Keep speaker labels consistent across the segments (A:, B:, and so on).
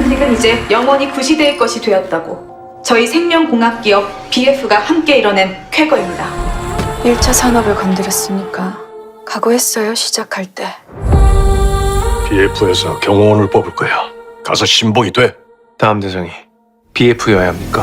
A: 대한민국은 이제 영원히 구시대의 것이 되었다고. 저희 생명공학기업 BF가 함께 이뤄낸 쾌거입니다.
B: 1차 산업을 건드렸으니까 각오했어요, 시작할 때.
C: BF에서 경호원을 뽑을 거야. 가서 신봉이 돼.
D: 다음 대상이 BF여야 합니까?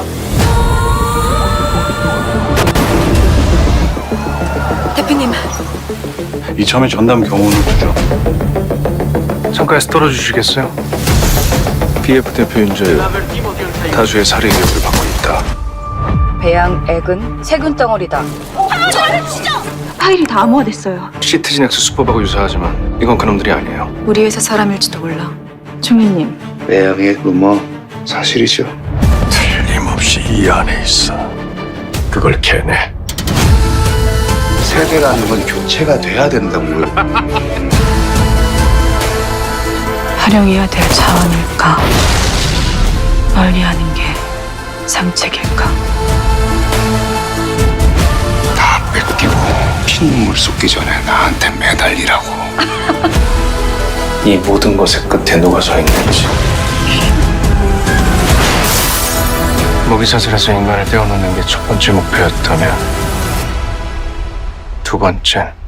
B: 대표님,
C: 이참에 전담 경호원을 두죠.
D: 창가에서 떨어주시겠어요? BF 대표 윤재유 다수의 살해 의혹을 받고 있다.
E: 배양액은 세균 덩어리다.
A: 파일이 다 암호화됐어요.
D: 시트진엑스 수법하고 유사하지만 이건 그놈들이 아니에요.
B: 우리 회사 사람일지도 몰라.
A: 중위님,
F: 매형의 루머 사실이죠.
C: 틀림없이 이 안에 있어. 그걸 캐내.
F: 세대라는 건 교체가 돼야 된다고요.
B: 활용해야 될 자원일까? 멀리하는 게 상책일까?
F: 다 뺏기고 피눈물 쏟기 전에 나한테 매달리라고.
D: 이 모든 것의 끝에 누가 서 있는지. 먹이사슬에서 인간을 떼어놓는 게 첫 번째 목표였다면 두 번째는